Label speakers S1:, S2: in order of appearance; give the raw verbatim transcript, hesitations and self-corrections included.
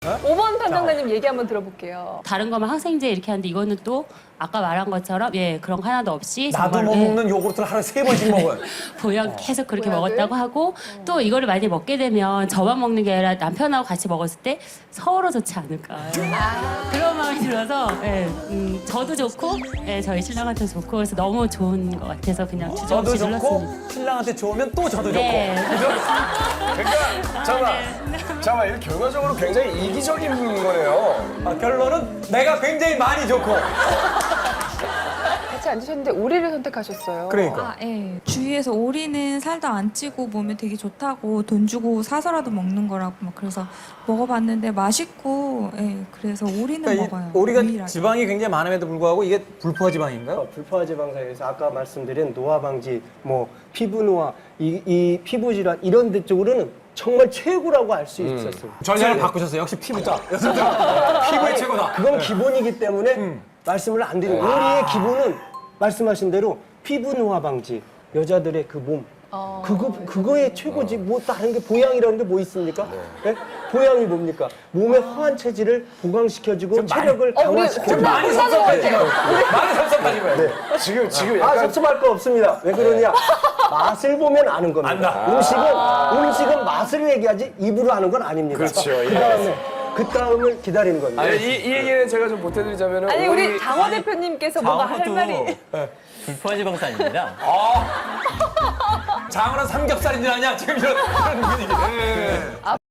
S1: 오 번 담당자님 얘기 한번 들어볼게요.
S2: 다른 거면 항생제 이렇게 하는데 이거는 또 아까 말한 것처럼 예 그런 거 하나도 없이
S3: 나도
S2: 정말,
S3: 못
S2: 예,
S3: 먹는 요구르트를 하루에 세 번씩 먹어요.
S2: 보양 계속 그렇게
S1: 보약을?
S2: 먹었다고 하고 또 이거를 많이 먹게 되면 저만 먹는 게 아니라 남편하고 같이 먹었을 때 서로 좋지 않을까 그런 마음이 들어서 예, 음, 저도 좋고 예, 저희 신랑한테 좋고 그래서 너무 좋은 것 같아서 그냥
S3: 저도
S2: 주저없이
S3: 좋고
S2: 눌렀습니다.
S3: 신랑한테 좋으면 또 저도
S2: 네.
S4: 그러니까 잠깐만, 잠깐만 이거 결과적으로 굉장히 이기적인 거네요.
S3: 좋고 아, 결론은 내가 굉장히 많이 좋고.
S1: 같이 앉으셨는데 오리를 선택하셨어요.
S3: 그러니까.
S5: 아, 예. 주위에서 오리는 살도 안 찌고 몸에 되게 좋다고 돈 주고 사서라도 먹는 거라고 막 그래서 먹어봤는데 맛있고, 예. 그래서 오리는
S3: 그러니까 이
S5: 먹어요.
S3: 오리가
S5: 유일하게.
S3: 지방이 굉장히 많음에도 불구하고 이게 불포화 지방인가요?
S6: 어, 불포화 지방 사이에서 아까 말씀드린 노화 방지, 뭐 피부 노화, 이, 이 피부 질환 이런 데 쪽으로는 정말 최고라고 알 수 있었어요.
S3: 전략을 바꾸셨어요. 역시 피부자. 피부의 최고다.
S6: 그건 기본이기 때문에 말씀을 안 드리고 오리의 기본은 말씀하신 대로 피부 노화 방지, 여자들의 그 몸.
S1: 어,
S6: 그거 그거의 최고지. 뭐 다른 게 보양이라는 게 뭐 있습니까? 예? 보양이 뭡니까? 몸의 허한 체질을 보강시켜주고 체력을
S1: 어, 우리
S6: 강화시켜주고.
S3: 많이 섭섭해 지금. 많이 섭섭하지 마.
S4: 지금 지금
S6: 아,
S4: 약간
S6: 섭섭할 거 없습니다. 왜 그러냐? 맛을 보면 아는 겁니다.
S3: 안다.
S6: 음식은 음식은 맛을 얘기하지 입으로 아는 건 아닙니다.
S4: 그렇죠, 예.
S6: 그 다음에 그 다음을 기다리는 겁니다.
S4: 아니, 이, 이 얘기는 제가 좀 보태드리자면은
S1: 아니 우리
S4: 오리-
S1: 장호 대표님께서 뭔가 할 말이
S7: 불포화 지방산입니다.
S3: 장어는 삼겹살인 줄 아냐? 지금 이런, 이런 분위기.